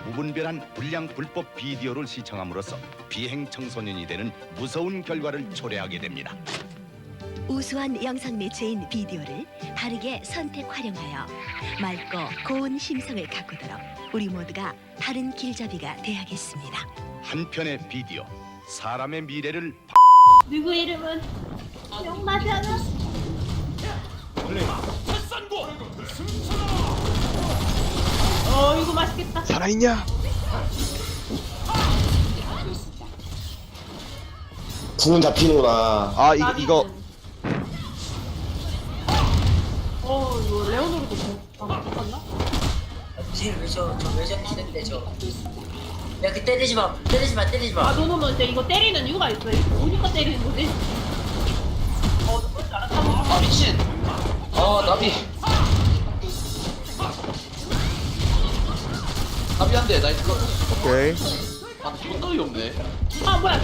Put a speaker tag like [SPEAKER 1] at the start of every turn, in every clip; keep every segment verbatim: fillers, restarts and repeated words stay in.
[SPEAKER 1] 무분별한 불량 불법 비디오를 시청함으로써 비행 청소년이 되는 무서운 결과를 초래하게 됩니다.
[SPEAKER 2] 우수한 영상 매체인 비디오를 바르게 선택 활용하여 맑고 고운 심성을 가꾸도록 우리 모두가 바른 길잡이가 되야겠습니다.
[SPEAKER 1] 한 편의 비디오, 사람의 미래를
[SPEAKER 3] 누구 이름은 용마잖아. 어 이거 맛있겠다.
[SPEAKER 4] 살아있냐?
[SPEAKER 5] 궁은 잡히는구나.
[SPEAKER 4] 아 이거 이거
[SPEAKER 3] 어 이거 레오노르도 바꿨나?
[SPEAKER 6] 쟤왜저저왜 저렇게 했는데 저. 야 그 때리지 마 때리지 마 때리지
[SPEAKER 3] 아
[SPEAKER 6] 마.
[SPEAKER 3] 너는 진짜 이거 때리는 이유가 있어. 이거 오니까 때리는 거지. 어 그럴 줄 알았다.
[SPEAKER 6] 아 미친. 어 나비.
[SPEAKER 7] 답이 안 돼. 나 이거
[SPEAKER 4] 오케이.
[SPEAKER 7] 아 손들이 없네.
[SPEAKER 3] 아 뭐야?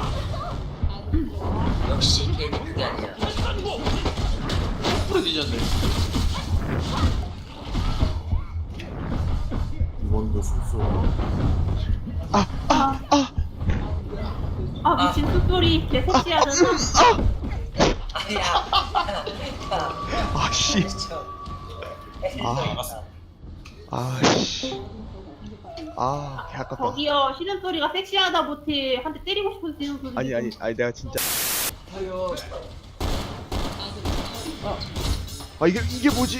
[SPEAKER 6] 역시 걔는 그게 아니야.
[SPEAKER 7] 풀어 뒤졌네.
[SPEAKER 3] 아 미친 숫소리 개 섹시하잖아.
[SPEAKER 6] 아야.
[SPEAKER 4] 아씨. 아. 아씨. 아, 개 아깝다.
[SPEAKER 3] 저기요 신음 소리가 섹시하다 못해 한 대 때리고 싶어서 지는 소리.
[SPEAKER 4] 아니 아니 아니 내가 진짜. 아 이게 이게 뭐지?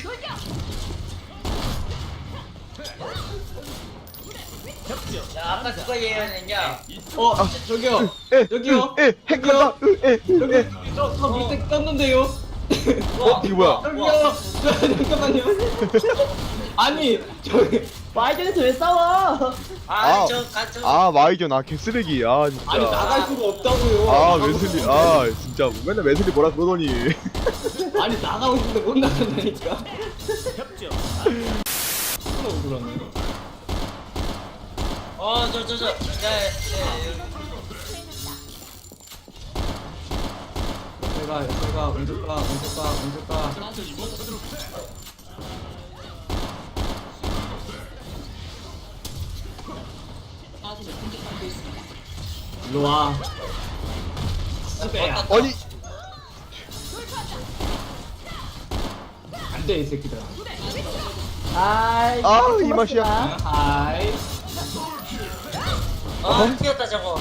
[SPEAKER 6] 야 아까 누가 예언했냐?
[SPEAKER 7] 어 저기요.
[SPEAKER 4] 에
[SPEAKER 7] 여기요.
[SPEAKER 4] 에 핵간다. 에
[SPEAKER 7] 여기
[SPEAKER 4] 에.
[SPEAKER 7] 저저 밑에 떴는데요.
[SPEAKER 4] 어 이게 뭐야?
[SPEAKER 7] 저기요. 저 잠깐만요. 아니 저기
[SPEAKER 3] 와이전에서 왜 싸워?
[SPEAKER 4] 아.
[SPEAKER 6] 아저가저
[SPEAKER 4] 아 마이전 아 개쓰레기. 아 진짜.
[SPEAKER 7] 아니 나갈 수가 없다고요.
[SPEAKER 4] 아 웨슬리 아 진짜 맨날 웨슬리 뭐라 그러더니.
[SPEAKER 7] 아니 나가고 싶은데 못 나간다니까. 협조. 억울하네.
[SPEAKER 6] 어저 저 저. 야 야.
[SPEAKER 7] 제가 제가 먼저 가 먼저 가 먼저 가. 일로 와. 스베야.
[SPEAKER 4] 아니
[SPEAKER 7] 안돼 이 새끼들아.
[SPEAKER 3] 아이
[SPEAKER 4] 아 이 맛이야.
[SPEAKER 7] 하이.
[SPEAKER 6] 아 튀었다 저거.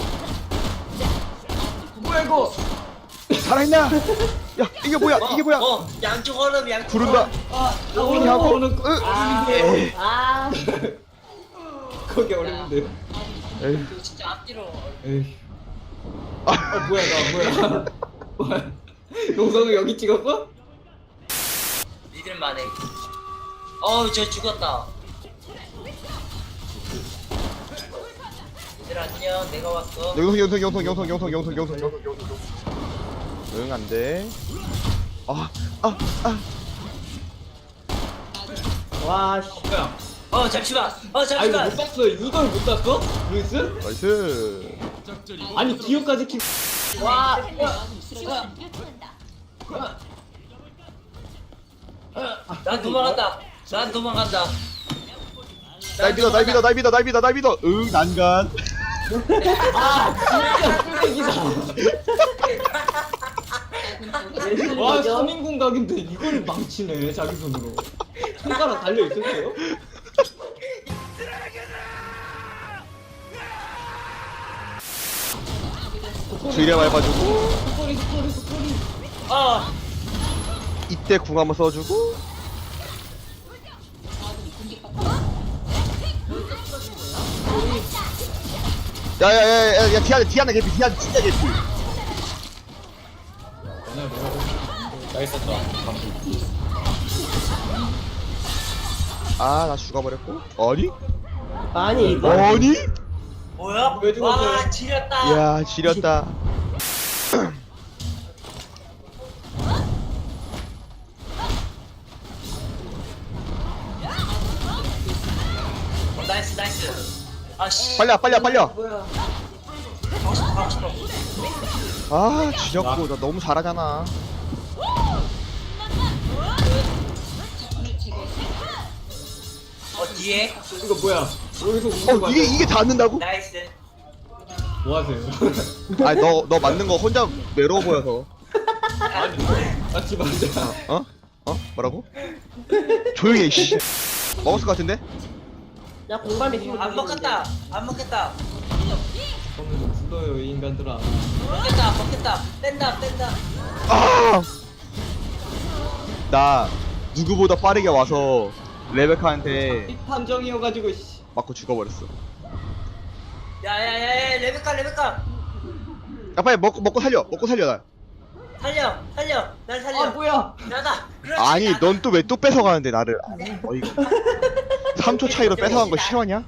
[SPEAKER 7] 뭐야 이거?
[SPEAKER 4] 살아있나? 야 이게 뭐야?
[SPEAKER 6] 어,
[SPEAKER 4] 이게 뭐야?
[SPEAKER 6] 어 양쪽 얼음 양쪽.
[SPEAKER 4] 부른다.
[SPEAKER 6] 얼음.
[SPEAKER 7] 아
[SPEAKER 4] 오니 하고.
[SPEAKER 7] 오는 거.
[SPEAKER 4] 으.
[SPEAKER 7] 에이.
[SPEAKER 3] 아
[SPEAKER 7] 거기 어려운데.
[SPEAKER 4] 에이.
[SPEAKER 6] 진짜 앞뒤로.
[SPEAKER 7] 에이. 아 뭐야 나 뭐야? 뭐야? 용성을 여기 찍었어?
[SPEAKER 6] 믿을만해. 어우 저 죽었다. 얘들 안녕 내가 왔어.
[SPEAKER 4] 영성 영성 영성 영성 영성 영성 영성 영성 영성 응 안돼. 아 아 아.
[SPEAKER 7] 와 씨. 뭐야?
[SPEAKER 6] 어 잠시만. 어
[SPEAKER 7] 아 이거
[SPEAKER 6] 잠시만.
[SPEAKER 7] 못 봤어. 이걸 못 봤어? 루이스?
[SPEAKER 4] 나이스.
[SPEAKER 7] 아니 기어까지 키.
[SPEAKER 3] 와.
[SPEAKER 6] 난 도망간다. 난 도망간다.
[SPEAKER 4] 날 믿어 날 믿어 날 믿어 날 믿어 날 믿어. 응 난간.
[SPEAKER 7] 와 삼 인공 각인데 이걸 망치네 자기 손으로. 손가락 달려 있었어요?
[SPEAKER 4] 주의를 밟아주고
[SPEAKER 7] 소리 소리 소리.
[SPEAKER 6] 어.
[SPEAKER 4] 이때 궁 한번 써주고. 야야야야 야 디아나 디아나 개피 디아나 진짜 개피. 아 나 죽어버렸고. 아니?
[SPEAKER 3] 아니
[SPEAKER 4] 아니?
[SPEAKER 6] 뭐야?
[SPEAKER 7] 왜 죽었어요?
[SPEAKER 6] 와 지렸다.
[SPEAKER 4] 야 지렸다.
[SPEAKER 6] 어, 나이스 나이스. 아씨.
[SPEAKER 4] 빨려 빨려 빨려.
[SPEAKER 6] 뭐야? 가고 싶어 가고 싶어.
[SPEAKER 4] 아 지렸고 나 너무 잘하잖아.
[SPEAKER 6] 어 뒤에?
[SPEAKER 7] 이거 뭐야? 여기서
[SPEAKER 4] 어 이게 이게 닿는다고?
[SPEAKER 6] 나이스.
[SPEAKER 7] 뭐 하세요?
[SPEAKER 4] 아니 너 너 맞는 거 혼자 외로워 보여서.
[SPEAKER 7] 맞지 맞아.
[SPEAKER 4] 어? 어? 뭐라고? 조용히 해 씨. 먹었을 것 같은데?
[SPEAKER 3] 야 공감이 지금
[SPEAKER 6] 안 먹겠다. 안 먹겠다.
[SPEAKER 7] 저는 좀 불러요 이 인간들아.
[SPEAKER 6] 먹겠다. 먹겠다. 뺀다. 뺀다.
[SPEAKER 4] 아! 나 누구보다 빠르게 와서 레베카한테
[SPEAKER 7] 이 판정이어가지고 씨.
[SPEAKER 4] 맞고 죽어버렸어.
[SPEAKER 6] 야야야 레베카 레베카
[SPEAKER 4] 야 빨리 먹고 먹고 살려. 먹고 살려 날.
[SPEAKER 6] 살려 살려 날 살려.
[SPEAKER 7] 아 뭐야?
[SPEAKER 6] 나다. 그렇지,
[SPEAKER 4] 아니
[SPEAKER 6] 나다.
[SPEAKER 4] 넌 또 왜 또 뺏어가는데 나를. 어이구. 삼 초 차이로 뺏어간 거 싫어하냐?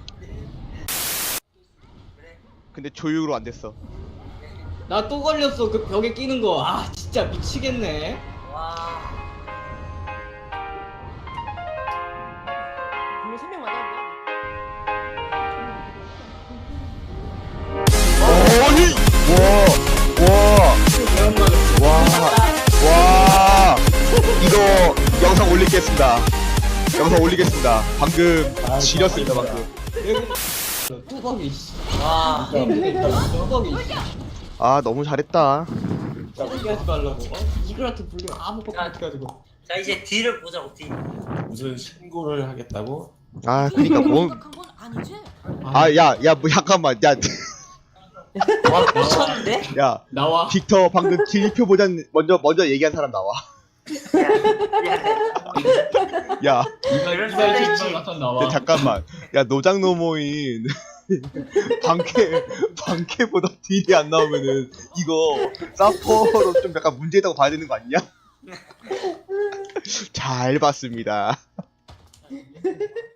[SPEAKER 4] 근데 조율로 안 됐어.
[SPEAKER 7] 나 또 걸렸어 그 벽에 끼는 거. 아 진짜 미치겠네.
[SPEAKER 6] 와.
[SPEAKER 3] 분명 세명 맞았는데.
[SPEAKER 4] 아니! 와! 와! 와! 와! 이거 영상 올리겠습니다. 영상 올리겠습니다. 방금 지렸습니다 방금.
[SPEAKER 7] 뚜벅이 씨.
[SPEAKER 6] 와.
[SPEAKER 7] 뚜벅이 씨.
[SPEAKER 4] 아 너무 잘했다.
[SPEAKER 7] 뚜벅이 하지 말라고. 어? 이글한테 불리면 아무것도
[SPEAKER 6] 야.
[SPEAKER 7] 못해가지고.
[SPEAKER 6] 자 이제 뒤를 보자고 뒤.
[SPEAKER 8] 무슨 신고를 하겠다고?
[SPEAKER 4] 아 그니까 뭐. 아 야 야 뭐 잠깐만 야.
[SPEAKER 6] 와 미쳤는데?
[SPEAKER 4] 야
[SPEAKER 7] 나와.
[SPEAKER 4] 빅터 방금 길표 보장 먼저 먼저 얘기한 사람 나와. 야
[SPEAKER 7] 이발 이발 진짜 나타 나와.
[SPEAKER 4] 야, 잠깐만. 야 노장노모인 방캐 방캐보다 딜이 안 나오면은 이거 사퍼로 좀 약간 문제있다고 봐야 되는 거 아니냐? 잘 봤습니다.